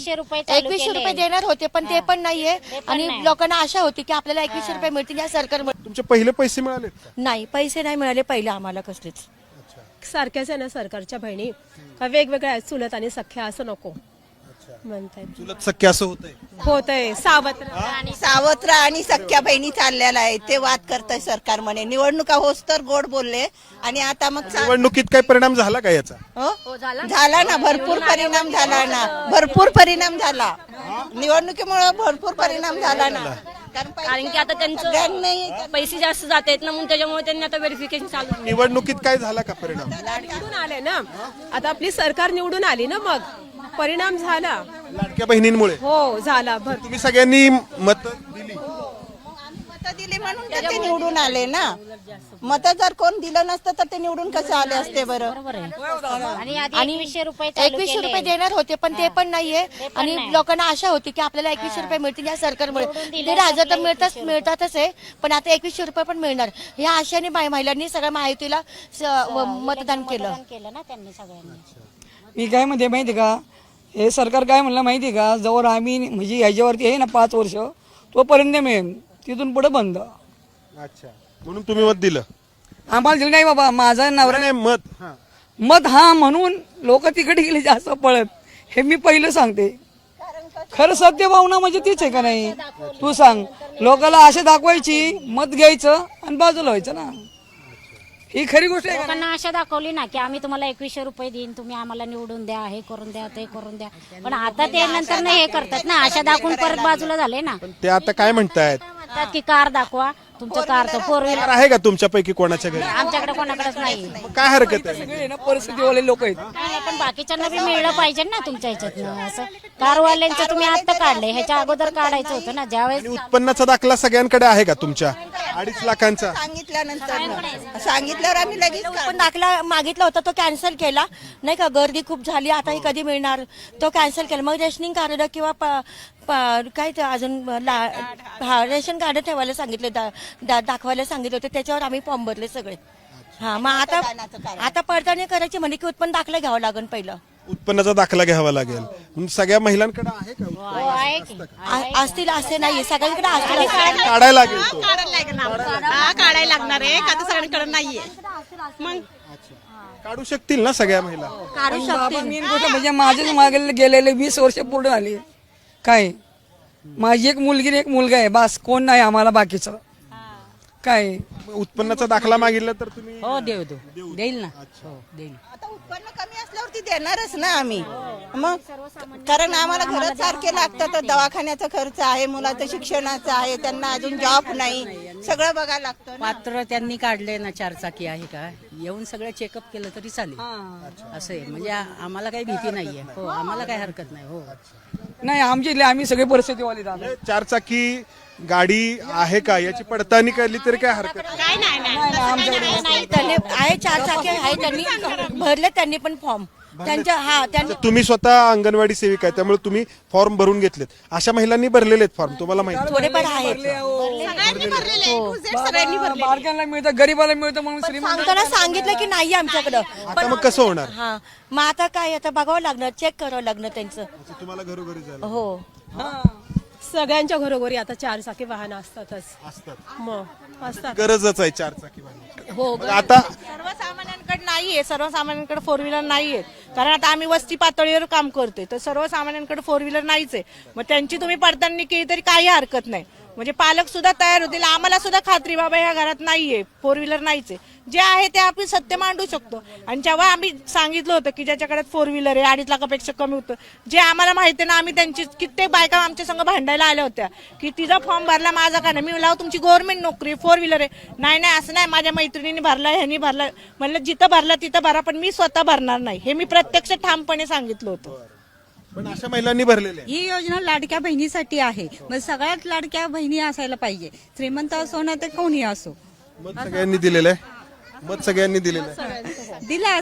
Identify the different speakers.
Speaker 1: 2100 रुपये देणार होते, पण ते पण नाहीये. आणि लोकांना आशा होती की आपल्याला 2100 रुपये मिळतील या सरकारमुळे.
Speaker 2: तुमचे पहिले पैसे मिळाले का?
Speaker 1: नाही, पैसे नाही मिळाले पहिले आम्हाला कसलेच.
Speaker 3: सारख्याच आहे ना सरकारच्या बहिणी का वेगवेगळ्या आहेत, चुलत आणि सख्या असं नको म्हणताय.
Speaker 2: चुलत सख्या असं होतंय.
Speaker 3: होतंय
Speaker 4: सावत्र आणि सख्या बहिणी चाललेला आहे. ते वाद करताय सरकार म्हणे निवडणुका होस तर गोड बोलले आणि आता मग
Speaker 2: निवडणुकीत काही परिणाम झाला का याचा?
Speaker 4: झाला ना, भरपूर परिणाम झाला ना, भरपूर परिणाम झाला. निवडणुकीमुळे भरपूर परिणाम झाला ना.
Speaker 5: कारण की आता त्यांचं पैसे जास्त जात आहेत ना, म्हणून त्याच्यामुळे त्यांनी आता व्हेरिफिकेशन चालू आहे.
Speaker 2: निवडणुकीत काय झाला का परिणाम?
Speaker 3: निवडून आले ना, आता आपली सरकार निवडून आली ना, मग परिणाम झाला.
Speaker 2: लाडक्या बहिणींमुळे
Speaker 3: हो झाला.
Speaker 2: तुम्ही सगळ्यांनी मत दिली.
Speaker 4: मतं दिली म्हणून तर ते निवडून आले ना. मतं जर कोण दिलं नसतं तर ते निवडून कसे आले असते बरं?
Speaker 1: आणि 2100 रुपये देणार होते, पण ते पण नाहीये. आणि लोकांना आशा होती की आपल्याला 2100 रुपये मिळतील या सरकारमुळे. 1,500 तर मिळतातच आहे, पण आता 2100 रुपये पण मिळणार या आशेने महिलांनी सगळ्या महायुतीला मतदान केलं
Speaker 5: ना त्यांनी सगळ्यांनी.
Speaker 6: मी काय म्हणते माहिती का, हे सरकार काय म्हणलं माहिती का, जवळ आम्ही म्हणजे ह्याच्यावरती आहे ना 5 वर्ष तोपर्यंत मिळेल, तिथून पुढे बंद.
Speaker 2: अच्छा, म्हणून तुम्ही मत दिलं?
Speaker 6: आम्हाला दिलं नाही बाबा, माझा नवरा
Speaker 2: नाही मत.
Speaker 6: मत हा म्हणून लोक तिकडे गेले जास्त पळत, हे मी पहिलं सांगते. खरं सत्य भावना म्हणजे तीच आहे का नाही? तू सांग, लोकांना आशा दाखवायची, मत घ्यायचं आणि बाजूला व्हायचं ना, ही खरी गोष्ट आहे.
Speaker 5: लोकांना आशा दाखवली ना की आम्ही तुम्हाला 2100 रुपये देईन, तुम्ही आम्हाला निवडून द्या, हे करून द्या, ते करून द्या. पण आता ते नंतर हे करतात ना, आशा दाखवून परत बाजूला झाले ना.
Speaker 2: ते आता काय म्हणतायत?
Speaker 5: म्हणतात की कार दाखवा, तुमचं कार तर 4 व्हीलर
Speaker 2: आहे का तुमच्यापैकी कोणाच्या घरी?
Speaker 5: आमच्याकडे कोणाकडेच नाही.
Speaker 2: मग काय हरकत आहे?
Speaker 6: सगळे ना परिस्थितीवाले लोक आहेत.
Speaker 5: नाही, पण बाकीच्यांना बी मिळलं पाहिजे ना तुमच्या ह्याच्यातनं. असं कारवाल्यांचं तुम्ही आता काढले, ह्याच्या अगोदर काढायचं होतं ना. ज्यावेळेस
Speaker 2: आणि उत्पन्नाचा दाखला सगळ्यांकडे आहे का तुमच्या? 2.5 लाखांचा
Speaker 4: सांगितल्यानंतर सांगितल्यावर आम्ही लगेच
Speaker 1: पण दाखला मागितला होता, तो कॅन्सल केला नाही का. गर्दी खूप झाली, आता हे कधी मिळणार, तो कॅन्सल केला. मग रेशनिंग कार्ड किंवा काय ते अजून रेशन कार्ड ठेवायला सांगितले, दाखवायला सांगितले होते, त्याच्यावर आम्ही फॉर्म भरले सगळे. हा, मग आता पडताळणी करायची म्हणजे की उत्पन्न दाखला घ्यावा लागेल पहिलं.
Speaker 2: उत्पन्नाचा दाखला घ्यावा लागेल. म्हणून सगळ्या महिलांकडे आहे का?
Speaker 5: आहे की
Speaker 1: असतील असे नाही, सगळ्यांकडे असतील.
Speaker 2: काढायला लागेल तो.
Speaker 7: काढायला लागणार आहे का? सगळ्यांकडे नाहीये. मग
Speaker 2: काढू शकतील ना सगळ्या महिला?
Speaker 6: पण बाबा मेन गोष्ट म्हणजे माझेच मागे गेलेले 20 वर्ष पूर्ण झाली. काय माझी एक मुलगी आणि एक मुलगा आहे, बस, कोण नाही आम्हाला बाकीचं. काय
Speaker 2: उत्पन्नाचा दाखला मागितला तर तुम्ही?
Speaker 8: हो देईल ना. देईल.
Speaker 4: आता उत्पन्न कमी असल्यावरती देणारच ना आम्ही. मग कारण आम्हाला घर सारखे लागतात, तर दवाखान्याचा खर्च आहे, मुलाचं शिक्षणाचं आहे, त्यांना अजून जॉब नाही, सगळं बघायला लागतं ना.
Speaker 8: पात्र त्यांनी काढले ना, 4 चाकी आहे का, येऊन सगळं चेकअप केलं तरी चालेल. असं आहे म्हणजे आम्हाला काही भीती नाहीये. हो, आम्हाला काही हरकत नाही. हो,
Speaker 6: नाही आम्ही सगळे परिस्थितीवाले झालो.
Speaker 2: 4 चाकी गाडी आहे का याची पडताळणी केली तरी काय हरकत नाही.
Speaker 1: त्यांनी आहे 4 चाकी आहे, त्यांनी भरले, त्यांनी पण फॉर्म त्यांनी.
Speaker 2: तुम्ही स्वतः अंगणवाडी सेविका आहे, त्यामुळे तुम्ही फॉर्म भरून घेतलेत. अशा महिलांनी भरलेले आहेत फॉर्म, तुम्हाला माहिती?
Speaker 1: थोडेफार आहेत.
Speaker 6: बारक्यांना मिळतं, गरीबाला मिळतं म्हणून श्रीमंत.
Speaker 1: सांगताना सांगितलं की नाही आमच्याकडं.
Speaker 2: आता मग कसं होणार?
Speaker 1: हा, मग आता काय, आता बघावं लागणार, चेक करावं लागणार त्यांचं.
Speaker 2: तुम्हाला घरोघरी जायला
Speaker 1: हो,
Speaker 3: सगळ्यांच्या घरोघरी आता 4 चाकी वाहन असतातच. मग असतात.
Speaker 2: गरजच आहे 4 चाकी वाहनाची.
Speaker 1: हो.
Speaker 2: आता
Speaker 7: सर्वसामान्यांकडे नाहीये, सर्वसामान्यांकडे 4 व्हीलर नाहीये. कारण आता आम्ही वस्ती पातळीवर काम करतोय, तर सर्वसामान्यांकडे 4 व्हीलर नाहीच आहे. मग त्यांची तुम्ही पडताळणी केली तरी काही हरकत नाही. म्हणजे पालक सुद्धा तयार होतील, आम्हाला सुद्धा खात्री बाबा ह्या घरात नाहीये, 4 व्हीलर नाहीच आहे. जे आहे ते आपण सत्य मांडू शकतो. आणि जेव्हा आम्ही सांगितलं होतं की ज्याच्याकडे 4 व्हीलर आहे, 2.5 लाखापेक्षा कमी होतं, जे आम्हाला माहिती आहे ना, आम्ही त्यांची कित्येक बायका आमच्या संग भांडायला आल्या होत्या की तिचा फॉर्म भरला, माझा का नाही. मी म्हणलं तुमची गव्हर्नमेंट नोकरी, 4 व्हीलर आहे. नाही असं नाही, माझ्या मैत्रिणीने भरला, ह्यांनी भरला. म्हणलं जिथं भरला तिथं भरा, पण मी स्वतः भरणार नाही, हे मी प्रत्यक्ष ठामपणे सांगितलं होतं.
Speaker 2: पण अशा महिलांनी भरलेले आहे.
Speaker 9: ही योजना लाडक्या बहिणीसाठी आहे. मग सगळ्यात लाडक्या बहिणी असायला पाहिजे, श्रीमंत असो ना तर कोणी असो.
Speaker 2: मत सगळ्यांनी दिलेलं आहे. मत सगळ्यांनी दिलेलं आहे.
Speaker 9: दिला